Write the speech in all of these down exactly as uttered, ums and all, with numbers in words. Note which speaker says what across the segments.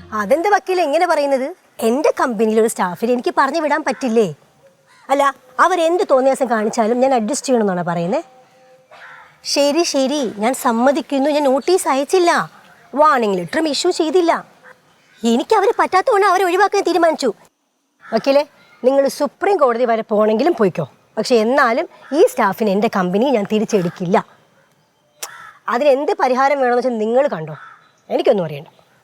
Speaker 1: അതെന്ത് വക്കീല എങ്ങനെ പറയുന്നത്? എൻ്റെ കമ്പനിയിലൊരു സ്റ്റാഫിനെ എനിക്ക് പറഞ്ഞു വിടാൻ പറ്റില്ലേ? അല്ല, അവരെന്ത് തോന്നിയാസം കാണിച്ചാലും ഞാൻ അഡ്ജസ്റ്റ് ചെയ്യണമെന്നാണ് പറയുന്നത്. ശരി ശരി, ഞാൻ സമ്മതിക്കുന്നു. ഞാൻ നോട്ടീസ് അയച്ചില്ല, വാർണിംഗ് ലെറ്ററും ഇഷ്യൂ ചെയ്തില്ല. എനിക്ക് അവർ പറ്റാത്തതുകൊണ്ട് അവരെ ഒഴിവാക്കാൻ തീരുമാനിച്ചു. വക്കീലെ, നിങ്ങൾ സുപ്രീം കോടതി വരെ പോകണമെങ്കിലും പോയിക്കോ. പക്ഷെ എന്നാലും ഈ സ്റ്റാഫിന് എൻ്റെ കമ്പനി ഞാൻ തിരിച്ചെടുക്കില്ല. അതിനെന്ത് പരിഹാരം വേണമെന്ന് വെച്ചാൽ നിങ്ങൾ കണ്ടോ, എനിക്കൊന്നും അറിയണ്ട.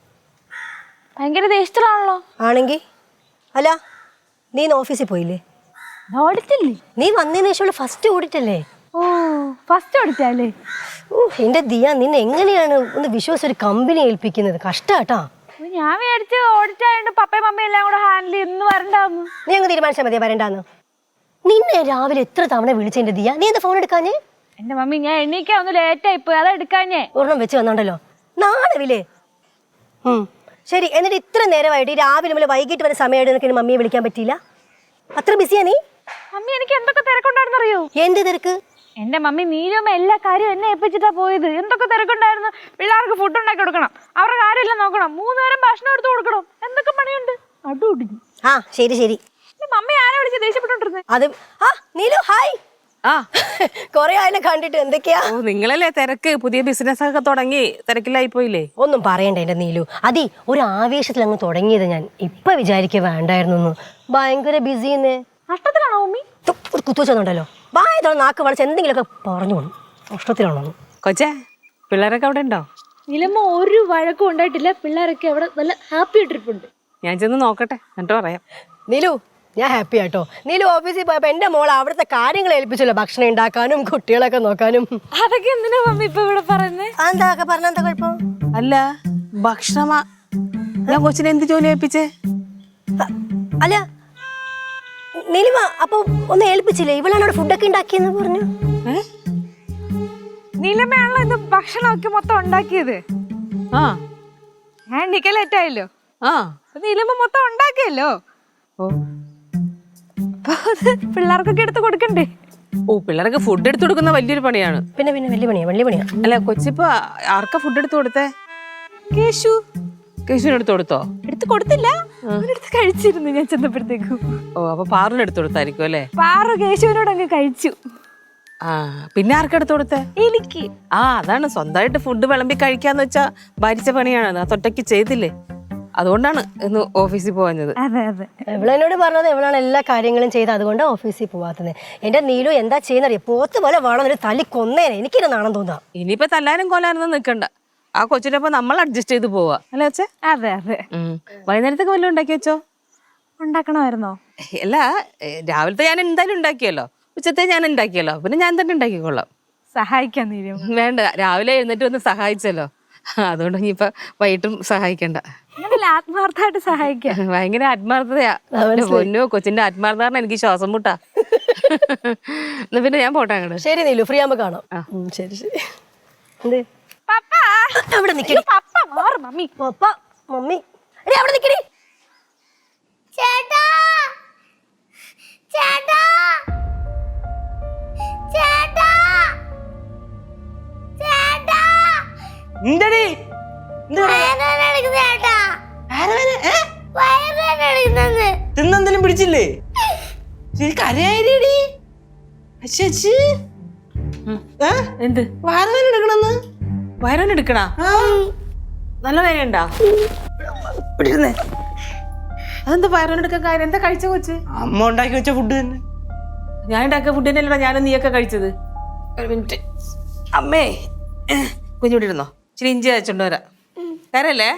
Speaker 2: ഭയങ്കര ദേഷ്യത്തിലാണല്ലോ.
Speaker 1: ആണെങ്കിൽ അല്ല, നീ ഇന്ന് ഓഫീസിൽ പോയില്ലേ?
Speaker 2: ഓഡിറ്റില്ലേ?
Speaker 1: നീ വന്നതിന് ശേഷമുള്ള ഫസ്റ്റ് ഓഡിറ്റ് അല്ലേ?
Speaker 2: ഓ, ഫസ്റ്റ് ഓഡിറ്റല്ലേ?
Speaker 1: ഓ എൻ്റെ ദിയ, നിന്നെ എങ്ങനെയാണ് ഒന്ന് വിശ്വസിച്ച് ഒരു കമ്പനി ഏൽപ്പിക്കുന്നത്? കഷ്ടാട്ടാ.
Speaker 2: ഞാൻ വിചാരിച്ച് ഓഡിറ്റ് ആയതുകൊണ്ട് പപ്പയും മമ്മയും എല്ലാം കൂടെ ഹാൻഡിൽ ചെയ്യുന്നു വരണ്ടാന്ന്.
Speaker 1: നീ അങ്ങ് തീരുമാനിച്ചാൽ മതിയാ വരണ്ടാന്ന്. നിന്നെ രാവിലെ എത്ര തവണ വിളിച്ചെന്റെ ദിയ, നീ എന്താ ഫോൺ എടുക്കാഞ്ഞേ?
Speaker 2: എന്റെ മമ്മി, ഞാൻ എണീക്കാൻ ഒന്ന് ലേറ്റ് ആയിപ്പോയി, അതാ എടുക്കാഞ്ഞേ.
Speaker 1: ഒരെണ്ണം വെച്ച് വന്നോണ്ടല്ലോ, നാളെ. ഉം ശരി, എന്നിട്ട് ഇത്ര നേരമായിട്ട് രാവിലെ മുതൽ വൈകിട്ട് വരെ സമയമായിട്ട് നിനക്ക് മമ്മിയെ വിളിക്കാൻ പറ്റിയില്ല? അത്ര ബിസിയാ നീ?
Speaker 2: മമ്മി, എനിക്ക് എന്തൊക്കെ തിരക്കുണ്ടായിരുന്നു അറിയോ?
Speaker 1: എന്ത് തിരക്ക്?
Speaker 2: എന്റെ മമ്മി നീലുമ്മ എല്ലാ കാര്യവും എന്നെ ഏൽപ്പിച്ചിട്ടാ പോയത്. എന്തൊക്കെ തിരക്കുണ്ടായിരുന്നു. പിള്ളേർക്ക് ഫുഡ് ഉണ്ടാക്കി കൊടുക്കണം, അവരുടെ കാര്യമെല്ലാം നോക്കണം, മൂന്ന് നേരം ഭക്ഷണം എടുത്തു കൊടുക്കണം, എന്തൊക്കെ പണിയുണ്ട്. അടുടിഞ്ഞു.
Speaker 1: ആ ശരി ശരി.
Speaker 2: മമ്മി ആരെ വിളിച്ച് ദേഷ്യപ്പെട്ടോണ്ടിരുന്നത്?
Speaker 1: അത് ആ നീലു, ഹായ്.
Speaker 3: ആ,
Speaker 1: കൊറേ ആയാലും കണ്ടിട്ട്. എന്തൊക്കെയാ?
Speaker 3: ഓ നിങ്ങളല്ലേ തിരക്ക്, പുതിയ ബിസിനസ് ഒക്കെ തുടങ്ങി തിരക്കിലായി പോയില്ലേ?
Speaker 1: ഒന്നും പറയണ്ട എന്റെ നീലു. അതി ഒരു ആവേശത്തിൽ അങ്ങ് തുടങ്ങിയത് ഞാൻ. ഇപ്പൊ വിചാരിക്കുക വേണ്ടായിരുന്നു. ഭയങ്കര ബിസിന്ന്.
Speaker 2: നഷ്ടത്തിലാണോ മമ്മി?
Speaker 1: ഒരു കുത്തുവെച്ചോണ്ടല്ലോ, വായതോ നാക്ക് വളച്ച് എന്തെങ്കിലുമൊക്കെ പറഞ്ഞു പോകണം. നഷ്ടത്തിലാണോ
Speaker 3: കൊച്ചേ? പിള്ളേരൊക്കെ അവിടെ ഉണ്ടോ?
Speaker 2: നിലമ്മ ഒരു വഴക്കും ഉണ്ടായിട്ടില്ല. പിള്ളേരൊക്കെ അവിടെ നല്ല ഹാപ്പി ട്രിപ്പുണ്ട്.
Speaker 3: ഞാൻ ചെന്ന് നോക്കട്ടെ, എന്നിട്ട് പറയാം.
Speaker 1: നീലു, ഞാൻ ഹാപ്പി ആട്ടോ. നീലു ഓഫീസിൽ പോയപ്പോ എന്റെ മോൾ അവിടുത്തെ കാര്യങ്ങൾ ഏൽപ്പിച്ചല്ലോ, ഭക്ഷണം ഉണ്ടാക്കാനും കുട്ടികളൊക്കെ നോക്കാനും.
Speaker 2: അതൊക്കെ എന്തിനാ മമ്മി ഇപ്പൊ ഇവിടെ പറയുന്നത്?
Speaker 1: എന്താ പറഞ്ഞ എന്താ കുഴപ്പം?
Speaker 3: അല്ല, ഭക്ഷണമാ ഞാൻ കൊച്ചിനെ എന്ത് ജോലി ഏൽപ്പിച്ചേ?
Speaker 1: അല്ല നീലിമ, അപ്പൊ ഒന്ന് ഏൽപ്പിച്ചില്ലേ? ഇവളാണ് അവിടെ ഫുഡൊക്കെ ഉണ്ടാക്കിയെന്ന് പറഞ്ഞു.
Speaker 2: നീലമ്മയാണല്ലോ ഇത് ഭക്ഷണമൊക്കെ മൊത്തം ഉണ്ടാക്കിയത്.
Speaker 3: ആ,
Speaker 2: ഞാൻ എണ്ണിക്കാൻ ലേറ്റ് ആയല്ലോ.
Speaker 3: ആ
Speaker 2: നീലമ്മ മൊത്തം ഉണ്ടാക്കിയല്ലോ.
Speaker 3: ഓ
Speaker 2: പിള്ളേർക്കൊക്കെ എടുത്ത് കൊടുക്കണ്ടേ?
Speaker 3: ഓ പിള്ളേർക്ക് ഫുഡ് എടുത്തു കൊടുക്കുന്ന വലിയൊരു പണിയാണ്.
Speaker 1: പിന്നെ പിന്നെ വലിയ പണിയാ, വലിയ പണിയാ.
Speaker 3: അല്ല കൊച്ചിപ്പോ ആർക്കാ ഫുഡ് എടുത്തു കൊടുത്തേ? കേശു. കേശുവിന് എടുത്തു കൊടുത്തോ?
Speaker 2: എടുത്ത് കൊടുത്തില്ല, അവനെടുത്ത് കഴിച്ചിരുന്നു ഞാൻ ചെന്നപ്പോഴത്തേക്കും.
Speaker 3: ഓ, അപ്പൊ പാറിന് എടുത്തു കൊടുത്തായിരിക്കും അല്ലേ?
Speaker 2: പാറു കേശുവിനോട് അങ്ങ് കഴിച്ചു.
Speaker 3: ആ, പിന്നെ ആർക്കെടുത്തു കൊടുത്തേ?
Speaker 2: എനിക്ക്.
Speaker 3: ആ, അതാണ് സ്വന്തമായിട്ട് ഫുഡ് വിളമ്പി കഴിക്കാന്ന് വെച്ചാ ഭരിച്ച പണിയാണ്. അത് ഒറ്റയ്ക്ക് ചെയ്തില്ലേ, അതുകൊണ്ടാണ് ഇന്ന് ഓഫീസിൽ പോവാഞ്ഞത്.
Speaker 2: അതെ അതെ,
Speaker 1: എവളെന്നോട് പറഞ്ഞത് എവളാണ് എല്ലാ കാര്യങ്ങളും ചെയ്ത്, അതുകൊണ്ട് ഓഫീസിൽ പോവാത്തത്. എന്റെ നീലു എന്താ ചെയ്യുന്നറിയ, പോത്ത് പോലെ വേണം ഒരു തല്ലി കൊന്നേനെ. എനിക്കിത് നാണം തോന്നാ.
Speaker 3: ഇനിയിപ്പോ തല്ലാനും കൊല്ലാനൊന്നും നിൽക്കണ്ട. ആ കൊച്ചിനൊപ്പം നമ്മൾ അഡ്ജസ്റ്റ് ചെയ്ത് പോവാ അല്ലേ അച്ഛേ?
Speaker 2: അതെ അതെ.
Speaker 3: വൈകുന്നേരത്തേക്ക് വല്ലതും ഉണ്ടാക്കി വെച്ചോ?
Speaker 2: ഉണ്ടാക്കണമായിരുന്നോ?
Speaker 3: അല്ല, രാവിലത്തെ ഞാൻ എന്തായാലും ഉണ്ടാക്കിയല്ലോ, ഉച്ചത്തെ ഞാൻ ഉണ്ടാക്കിയല്ലോ, പിന്നെ ഞാൻ തന്നെ ഉണ്ടാക്കിക്കൊള്ളാം.
Speaker 2: സഹായിക്കാൻ നീരും
Speaker 3: വേണ്ട, രാവിലെ എഴുന്നേറ്റ് വന്ന് സഹായിച്ചല്ലോ, അതുകൊണ്ട് ഇനിയിപ്പൊ വൈകിട്ടും സഹായിക്കണ്ട.
Speaker 2: ആത്മാർത്ഥമായിട്ട് സഹായിക്കാം.
Speaker 3: ഭയങ്കര ആത്മാർത്ഥതയാ. പൊന്നോ, കൊച്ചിന്റെ ആത്മാർത്ഥമാണ് എനിക്ക് ശ്വാസം മുട്ടാ. എന്നാ പിന്നെ ഞാൻ പോട്ടെ അങ്ങോട്ട്.
Speaker 1: ശരി നീലു, ഫ്രീ ആകുമ്പോ കാണാം. ശരി ശരി. എന്ത്
Speaker 2: പപ്പ
Speaker 1: അവിടെ നിക്കടി.
Speaker 2: പപ്പ മാറ് മമ്മി.
Speaker 1: പപ്പ മമ്മി എടി അവിടെ നിക്കടി.
Speaker 4: ചേട്ടാ ചേട്ടാ ചേട്ടാ ചേട്ടാ
Speaker 5: എന്തടി
Speaker 4: ചേട്ടാ വയറുവേദന
Speaker 5: തിന്നെന്തെങ്കിലും പിടിച്ചില്ലേ? കരയായിടി.
Speaker 3: എന്ത്
Speaker 5: വയറുവേദന എടുക്കണെന്ന്?
Speaker 3: വയറുവേദന എടുക്കണ? നല്ല വേദന ഉണ്ടാ? അതെന്താ വയറുവേദന എടുക്കാൻ കാര്യം? എന്താ കഴിച്ച കൊച്ച്?
Speaker 5: അമ്മ ഉണ്ടാക്കി വെച്ച ഫുഡ് തന്നെ.
Speaker 3: ഞാൻ ഉണ്ടാക്കിയ ഫുഡ് തന്നെയല്ലോ ഞാനും നീയൊക്കെ കഴിച്ചത്. ഒരു മിനിറ്റ് അമ്മേ, കുഞ്ഞുകൂടി ഇരുന്നോ, ഇച്ചിരി ഇഞ്ചി അയച്ചോണ്ട് വരാം. കരല്ലേ?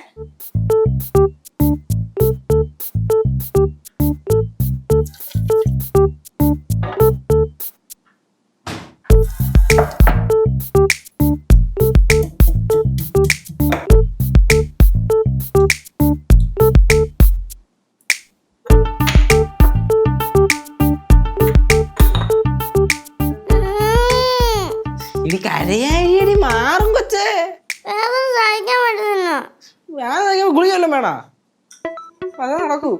Speaker 5: ഇനി കരയായിടി, മാറും കൊച്ചേ.
Speaker 4: വേറെ സഹിക്കാൻ പറ്റുന്നു.
Speaker 5: ഞാൻ ഗുളിക വല്ലതും വേണോ? അതാ നടക്കൂ.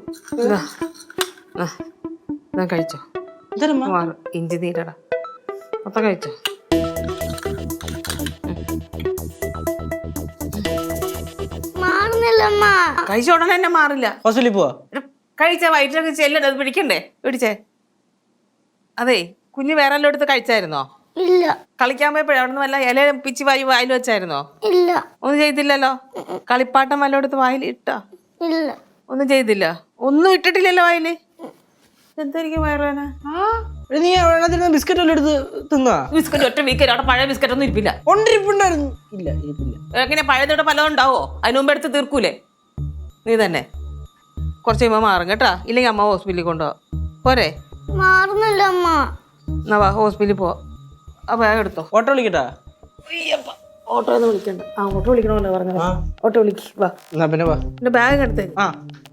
Speaker 3: കഴിച്ചോ, ഇഞ്ചി നീരടാ, മൊത്തം കഴിച്ചോ.
Speaker 4: മാറുന്നില്ല മാറില്ലമ്മ.
Speaker 3: കഴിച്ച ഉടനെ തന്നെ മാറില്ല.
Speaker 5: ഹോസ്പിറ്റലിൽ പോവാ.
Speaker 3: ഒരു കഴിച്ച വയറ്റിലൊക്കെ ചെല്ലണ്ട, അത് പിടിക്കണ്ടേ? പിടിച്ചേ. അതെ, കുഞ്ഞ് വേറെ എല്ലാം എടുത്ത് കഴിച്ചായിരുന്നോ?
Speaker 4: ഇല്ല
Speaker 3: കളിക്കാൻ പോയപ്പോഴേ അവിടെ നിന്ന് വല്ല ഇല പിച്ചി വായി വായിൽ വെച്ചായിരുന്നോ?
Speaker 4: ഇല്ല
Speaker 3: ഒന്നും ചെയ്തില്ലല്ലോ. കളിപ്പാട്ടം വല്ല എടുത്ത് വായിൽ ഇട്ടാ?
Speaker 4: ഇല്ല
Speaker 3: ഒന്നും ചെയ്തില്ല. ഒന്നും ഇട്ടിട്ടില്ലല്ലോ വായില്. എന്തായിരിക്കും വയറുവേന?
Speaker 5: എടി, നീ വെള്ളത്തിൽ ബിസ്ക്കറ്റ് വല്ലതും എടുത്ത് തിന്നാ?
Speaker 3: ബിസ്ക്കറ്റ് ഒറ്റ വീക്കറ്റ് അവിടെ പഴയ ബിസ്ക്കറ്റ് ഒന്നും ഇരിപ്പില്ല.
Speaker 5: ഒണ്ടിരിപ്പുണ്ടായിരുന്നു. ഇല്ല ഇരിപ്പില്ല.
Speaker 3: എങ്ങനെ പഴയതോടെ പലതും ഉണ്ടാവോ? അതിന് മുമ്പ് എടുത്ത് തീർക്കൂലേ നീ തന്നെ? കുറച്ച് കഴിയുമ്പോൾ മാറും കേട്ടാ. ഇല്ലെങ്കിൽ അമ്മ ഹോസ്പിറ്റലിൽ കൊണ്ടുപോവാ. പോരെ?
Speaker 4: മാറുന്നില്ല അമ്മ.
Speaker 3: എന്നാ വാ, ഹോസ്പിറ്റലിൽ പോവാ. ആ ബാഗ് എടുത്തോ.
Speaker 5: ഓട്ടോ വിളിക്കട്ടാ?
Speaker 3: ഓട്ടോ ഒന്നും വിളിക്കണ്ട. ആ ഓട്ടോ വിളിക്കണമല്ലോ പറഞ്ഞത്. ഓട്ടോ വിളിക്ക് വാ.
Speaker 5: എന്നാ പിന്നെ വാ.
Speaker 3: എന്റെ ബാഗ് എടുത്തേ.
Speaker 5: ആ